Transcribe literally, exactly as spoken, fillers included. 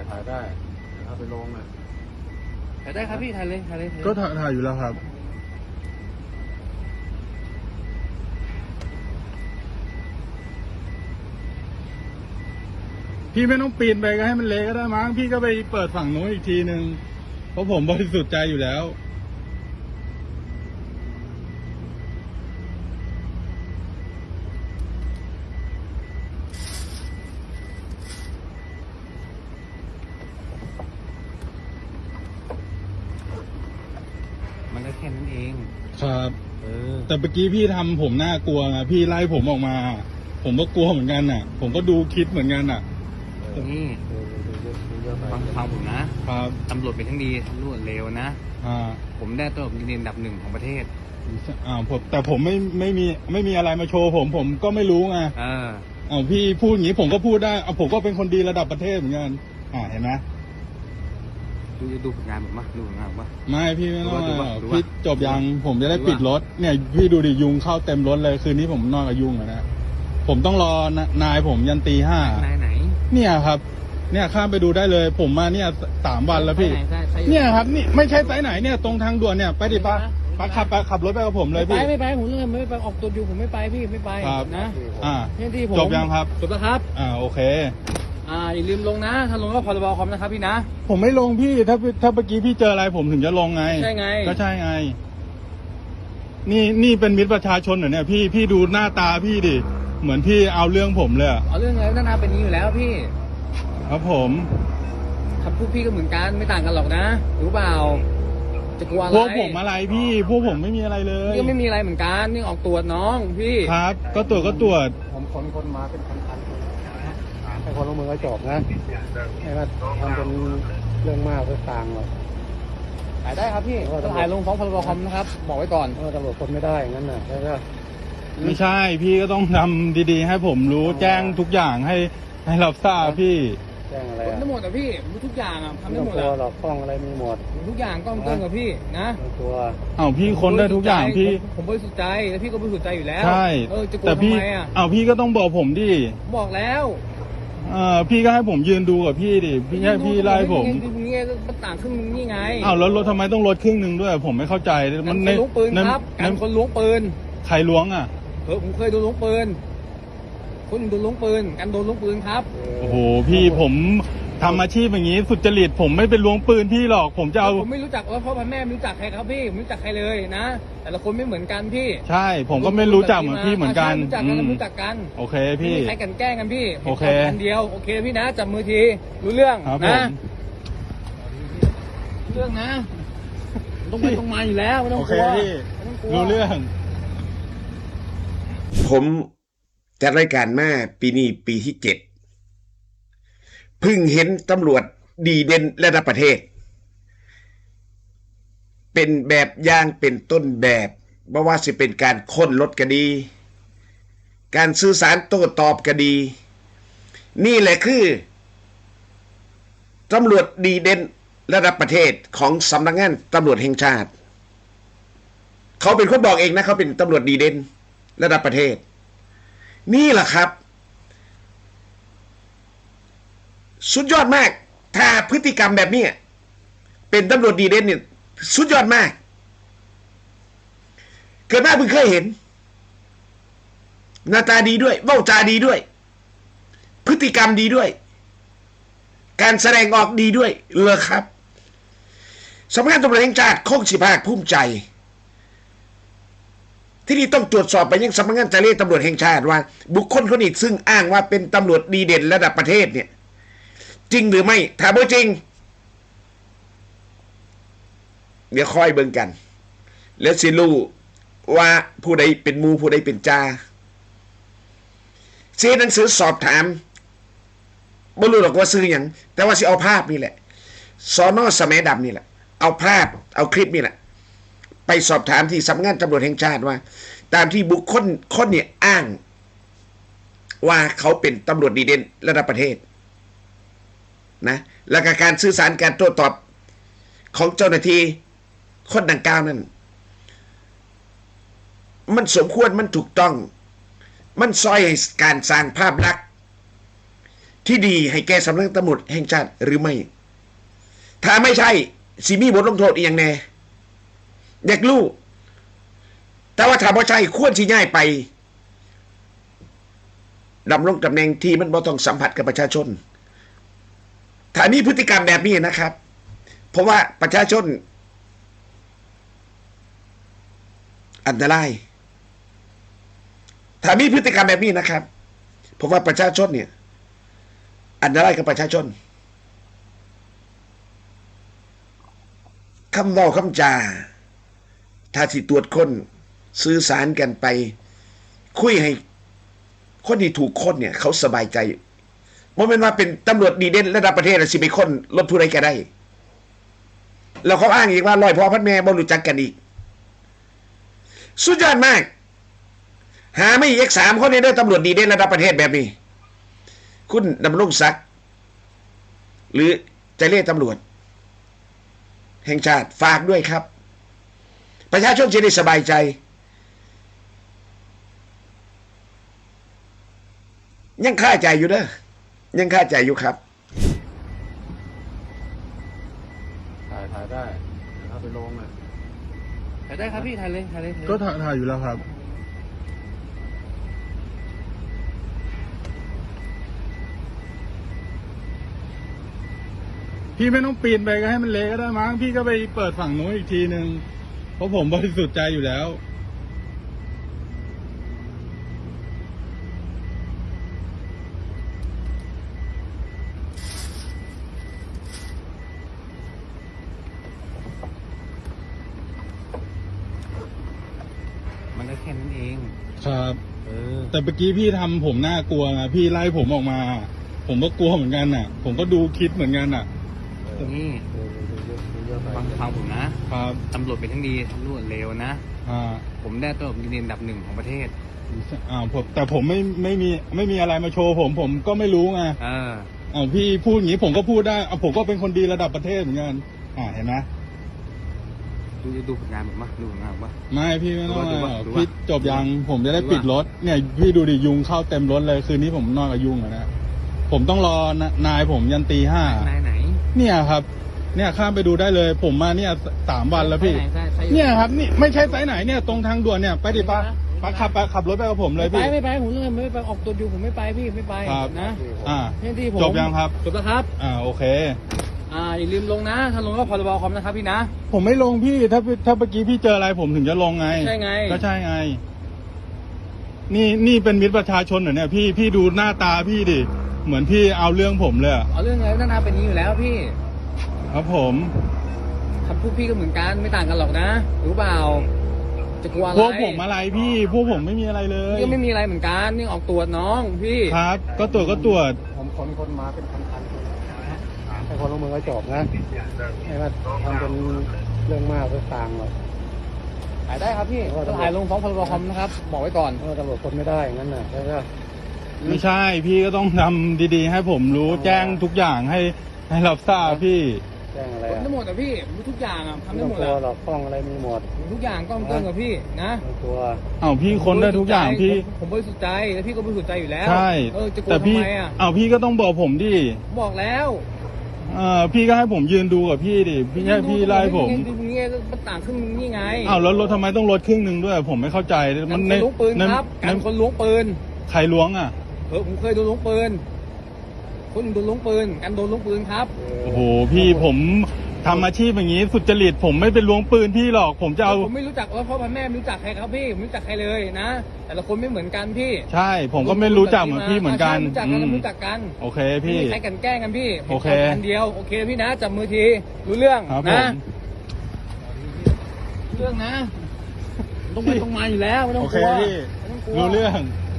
ถ่ายได้เอาไปลงนะถ่ายได้ครับพี่ถ่ายเลยถ่ายเลยถ่ายเลยก็ถ่ายถ่ายอยู่แล้วครับพี่ไม่ต้องปีนไปก็ให้มันเละก็ได้มั้งพี่ก็ไปเปิดฝั่งโน้นอีกทีนึงเพราะผมบริสุทธิ์ใจอยู่แล้วมันก็แค่นั้นเองครับเออแต่เมื่อกี้พี่ทำผมน่ากลัวไงพี่ไล่ผมออกมา ผมก็กลัวเหมือนกันน่ะ ผมก็ดูคิดเหมือนกันน่ะนี่ดูดูเยอะดูเยอะไปฟังฟังผมนะครับ ตำรวจเป็นทั้งดีตำรวจเลวนะอ่าผมได้ตำรวจดีเด่นอันดับหนึ่งของประเทศอ่าผมแต่ผมไม่ไม่มีไม่มีอะไรมาโชว์ผมผมก็ไม่รู้ไงเออเอาพี่พูดอย่างนี้ผมก็พูดได้เอาผมก็เป็นคนดีระดับประเทศเหมือนกันอ่าเห็นไหมดูดูผลงานผมปะดูผลงานผมปะไม่พี่ไม่ต้องดูว่าอ่ะดูว่าพี่จบยังผมจะได้ดูว่าปิดรถเนี่ยพี่ดูดิยุงเข้าเต็มรถเลยคืนนี้ผมนอนกับยุงอะนะผมต้องรอนายผมยันตีห้าไหนไหนเนี่ยครับ เนี่ยข้ามไปดูได้เลย ผมมาเนี่ยสามวันแล้วพี่ไหนไหนใช่เนี่ยครับนี่ไม่ใช่ไซส์ไหนเนี่ยตรงทางด่วนเนี่ยไปดิป้าป้าขับไปขับรถไปกับผมเลยไม่พี่ไปไม่ไปผมเลยไม่ไปออกตัวอยู่ผมไม่ไปพี่ไม่ไปครับนะอ่าเนี่ยที่ผมจบยังครับจบแล้วครับอ่าโอเคอ่าอย่าลืมลงนะถ้าลงก็พรบคอมนะครับพี่นะผมไม่ลงพี่ถ้าถ้าเมื่อกี้พี่เจออะไรผมถึงจะลงไงใช่ไงก็ใช่ไง นี่นี่เป็นมิตรประชาชนเหรอเนี่ยพี่พี่ดูหน้าตาพี่ดิเหมือนพี่เอาเรื่องผมเลยอะเอาเรื่องอะไรนั่นนาเป็นอย่างนี้อยู่แล้วพี่ครับผมคำพูดพี่ก็เหมือนกันไม่ต่างกันหรอกนะรู้เปล่าจะกลัวอะไรพวกผมอะไรพี่พวกผมไม่มีอะไรเลยพี่ก็ไม่มีอะไรเหมือนกันนี่ออกตรวจน้องพี่ครับ ก็ตรวจก็ตรวจผมคนคนมาเป็นพันๆคนให้คนลงมือก็จบนะไม่ว่าทำเป็นเรื่องมากเพื่อต่างหรอกถ่ายได้ครับพี่จะถ่ายลงฟ้องพรบคอมนะครับบอกไว้ก่อนเออตำรวจคนไม่ได้อย่างนั้นน่ะใช่ไหมไม่ใช่พี่ก็ต้องทำดีๆ ให้ผมรู้แจ้งทุกอย่างให้ให้รับทราบพี่แจ้งอะไรทำอ่ะได้หมดอ่ะพี่รู้ทุกอย่างอ่ะทำไม่ได้ต้องหมดกลัวอ่ะหรอกกล้องอะไรมีหมดทุกอย่างต้องเกินกับพี่นะไม่ต้องกลัวเอาพี่ค้นได้ทุกอย่างพี่ผมผมบริสุทธิ์ใจแล้วพี่ก็บริสุทธิ์ใจอยู่แล้วใช่เออจะกลัวแต่ทำพี่ไมอ่ะเอาพี่ก็ต้องบอกผมดิผมบอกแล้วเออพี่ก็ให้ผมยืนดูกับพี่ดิพี่ให้พี่ไล่ผมดูนี่ไงมันต่างครึ่งนึงนี่ไงอ้าวแล้วรถทำไมต้องลดครึ่งหนึ่งด้วย ผมไม่เข้าใจกัมัน นคนล้วงปืนในครับในกันคนล้วงปืนใครล้วงอ่ะเออผมเคยโดนล้วงปืนคนอื่นโดนล้วงปืนกันโดนล้วงปืนครับโอ้โหพี่ผมทำอาชีพอย่างนี้สุจริตผมไม่เป็นล้วงปืนพี่หรอก ผมจะเอาผมไม่รู้จักว่าพ่อพันแม่ไม่รู้จักใครครับพี่ผมไม่รู้จักใครเลยนะ แต่ละคนไม่เหมือนกันพี่ใช่ ผมก็ไม่รู้จักเหมือนพี่เหมือนกันรู้จักอืกันมรู้จักกันโอเคไม่พี่มีใครกันแกล้งกันพี่โอเคอันเดียวโอเคพี่นะจับมือทีรู้เรื่องครับผนะมรู้เรื่องนะต้องไปต้องมาอยู่แล้วไม่ต้อโองกเคลัวพี่ไม่ต้องกลัวรู้เรื่องผมจัดรายการมาปีนี้ปีที่เจ็ดเพิ่งเห็นตำรวจดีเด่นระดับประเทศ เป็นแบบอย่างเป็นต้นแบบไม่ว่าจะเป็นการค้นรถก็ดี การสื่อสารโต้ตอบก็ดี นี่แหละคือตำรวจดีเด่นระดับประเทศของสำนักงานตำรวจแห่งชาติ เขาเป็นคนบอกเองนะเขาเป็นตำรวจดีเด่นระดับประเทศ นี่แหละครับ สุดยอดมากถ้าพฤติกรรมแบบนี้เป็นตำรวจดีเด่นเนี่ยสุดยอดมากเกิดมาเพิ่งเคยเห็นหน้าตาดีด้วยเว้าจาดีด้วย พฤติกรรมดีด้วย การแสดงออกดีด้วยเลยครับสำนักงานตำรวจแห่งชาติคงสิภาคภูมิใจที่นี่ต้องตรวจสอบไปยังสำนักงานจราจรตำรวจแห่งชาติว่าบุคคลคนนี้ซึ่งอ้างว่าเป็นตำรวจดีเด่นระดับประเทศเนี่ยจริงหรือไม่ถ้าบ่จริงเดี๋ยวค่อยเบิ่งกันแล้วสิรู้ว่าผู้ใดเป็นมูผู้ใดเป็นจ่าเสียหนังสือสอบถามบ่รู้หรอกว่าซื้อหยังแต่ว่าสิเอาภาพนี่แหละสน.สแมดำนี่แหละเอาภาพเอาคลิปนี่แหละไปสอบถามที่สำนักงานตำรวจแห่งชาติว่าตามที่บุคคลคนเนี่ยอ้างว่าเขาเป็นตำรวจดีเด่นระดับประเทศนะแล้วก็การสื่อสารการโต้ตอบของเจ้าหน้าที่คนดังกล่าวนั้นมันสมควรมันถูกต้องมันซอยให้การสร้างภาพลักษณ์ที่ดีให้แก่สำนักตำรวจแห่งชาติหรือไม่ ถ้าไม่ใช่สิมีบทลงโทษอีกอย่างแน่อยากรู้แต่ว่าถ้าบ่ใช่ควรสิย้ายไปดำรงตำแหน่งที่มันบ่ต้องสัมผัสกับประชาชนถ้ามีพฤติกรรมแบบนี้นะครับเพราะว่าประชาชนอันตรายถ้ามีพฤติกรรมแบบนี้นะครับเพราะว่าประชาชนเนี่ยอันตรายกับประชาชนคำเว้าคำจาถ้าที่ตรวจคนสื่อสารกันไปคุยให้คนที่ถูกคนเนี่ยเขาสบายใจบ่แม่นว่าเป็นตำรวจดีเด่นระดับประเทศแล้วสิไปค้นรถผู้ใดก็ได้แล้วเขาอ้างอีกว่าร้อยพ่อพันแม่บ่รู้จักกันอีกสุดยอดมากหาไม่อีกสามคนในเด้อตำรวจดีเด่นระดับประเทศแบบนี้คุณดำรงศักดิ์หรือเจเล่ตำรวจแห่งชาติฝากด้วยครับประชาชนจะได้สบายใจยังค่าใจอยู่เด้อยังค่าใจอยู่ครับถ่ายถ่ายได้เอาไปลงอ่ะถ่ายได้ครับพี่ถ่ายเลยถ่ายเลยถ่ายเลยก็ถ่ายถ่ายอยู่แล้วครับพี่ไม่ต้องปีนไปก็ให้มันเละก็ได้มั้งพี่ก็ไปเปิดฝั่งนู้นอีกทีนึงเพราะผมบริสุทธิ์ใจอยู่แล้วมันก็แค่นั้นเองครับเออแต่เมื่อกี้พี่ทำผมน่ากลัวนะพี่ไล่ผมออกมา ผมก็กลัวเหมือนกันน่ะ ผมก็ดูคิดเหมือนกันน่ะนี่เออดูเยอะดูเยอะไปฟังฟังผมนะครับ ตำรวจเป็นทั้งดีตำรวจเลวนะอ่าผมได้ตำรวจดีเด่นอันดับหนึ่งของประเทศอ่าผมแต่ผมไม่ไม่มีไม่มีอะไรมาโชว์ผมผมก็ไม่รู้ไงเอออ้าวพี่พูดอย่างนี้ผมก็พูดได้อ่ะผมก็เป็นคนดีระดับประเทศเหมือนกันอ่าเห็นไหมดูดูผลงานผมปะดูผลงานผมปะไม่พี่ไม่ต้องดูว่าอ่ะดูว่าพี่จบยังผมจะได้ดูว่าปิดรถเนี่ยพี่ดูดิยุงเข้าเต็มรถเลยคืนนี้ผมนอนกับยุงอะนะผมต้องรอนนายผมยันตีห้านายไหนเนี่ยครับ เนี่ยข้ามไปดูได้เลย ผมมาเนี่ยสามวันแล้วพี่ไหนใช่ใช่เนี่ยครับนี่ไม่ใช่ไซส์ไหนเนี่ยตรงทางด่วนเนี่ยไปดิป้าป้าขับไปขับรถไปกับผมเลยไปพี่ไม่ไปผมเลยไม่ไปออกตัวอยู่ผมไม่ไปพี่ไม่ไปครับนะอ่านี่ที่ผมจบยังครับจบแล้วครับอ่าโอเคอ่าอย่าลืมลงนะ ถ้าลงก็พรบคอมนะครับพี่นะผมไม่ลงพี่ถ้าถ้าเมื่อกี้พี่เจออะไรผมถึงจะลงไงใช่ไงก็ใช่ไง นี่นี่เป็นมิตรประชาชนเหรอเนี่ยพี่พี่ดูหน้าตาพี่ดิเหมือนพี่เอาเรื่องผมเลยอะเอาเรื่องอะไรหน้าเป็นอย่างนี้อยู่แล้วพี่ครับผมคำพูดพี่ก็เหมือนกันไม่ต่างกันหรอกนะรู้เปล่าจะกลัวอะไรพวกผมอะไรพี่ พวกผมไม่มีอะไรเลยพี่ก็ไม่มีอะไรเหมือนกันนี่ออกตรวจน้องพี่ครับ ก็ตรวจก็ตรวจผมขนคนมาเป็นพันๆคนให้คนลงมือก็จบนะไม่ว่าทำเป็นเรื่องมากไปต่างหรอกถ่ายได้ครับพี่ก็ถ่ายลงฟ้องพรบคอมนะครับบอกไว้ก่อนเพราะว่าตำรวจคนไม่ได้อย่างนั้นน่ะใช่ไหมไม่ใช่พี่ก็ต้องทำดีๆ ให้ผมรู้แจ้งทุกอย่างให้ให้รับทราบพี่แจ้งอะไรทำอ่ะได้หมดอ่ะพี่รู้ทุกอย่างอ่ะทำไม่ได้ต้องหมดกลัวอ่ะหรอกกล้องอะไรมีหมดทุกอย่างก็ต้องเกินกับพี่นะไม่ต้องกลัวเอาพี่คนได้ทุกอย่างพี่ผมผมบริสุทธิ์ใจแล้วพี่ก็บริสุทธิ์ใจอยู่แล้วใช่เออจะกลัวแต่ทำพี่ไมอ่ะเอาพี่ก็ต้องบอกผมดิบอกแล้วเออพี่ก็ให้ผมยืนดูกับพี่ดิพี่ให้พี่ไล่ผมดูตรงนี้มันต่างครึ่งนึงนี่ไงอ้าวแล้วรถทำไมต้องลดครึ่งหนึ่งด้วย ผมไม่เข้าใจกัมัน นคในนล้วงปืนในครับในกันคนล้วงปืนใครล้วงอ่ะเออผมเคยโดนล้วงปืนคนอื่นโดนล้วงปืนกันโดนล้วงปืนครับโอ้โหพี่ผมทำอาชีพอย่างนี้สุจริตผมไม่เป็นล้วงปืนพี่หรอก ผมจะเอาผมไม่รู้จักว่าพ่อพันแม่ไม่รู้จักใครครับพี่ผมไม่รู้จักใครเลยนะแต่ละคนไม่เหมือนกันพี่ใช่ ผมก็ไม่รู้จักเหมือนพี่เหมือนกันใช่รู้จักกันอืมรู้จักกันโอเคไม่พี่มีใครกันแกล้งกันพี่โอเคห็นกันเดียวโอเคพี่นะจับมือทีรู้เรื่องครับผนะมรู้เรื่องนะต้องไปตรงมาอยู่แล้วไม่ต้องโอก เคลัวพี่ไม่ต้องกลัวรู้เรื่องเ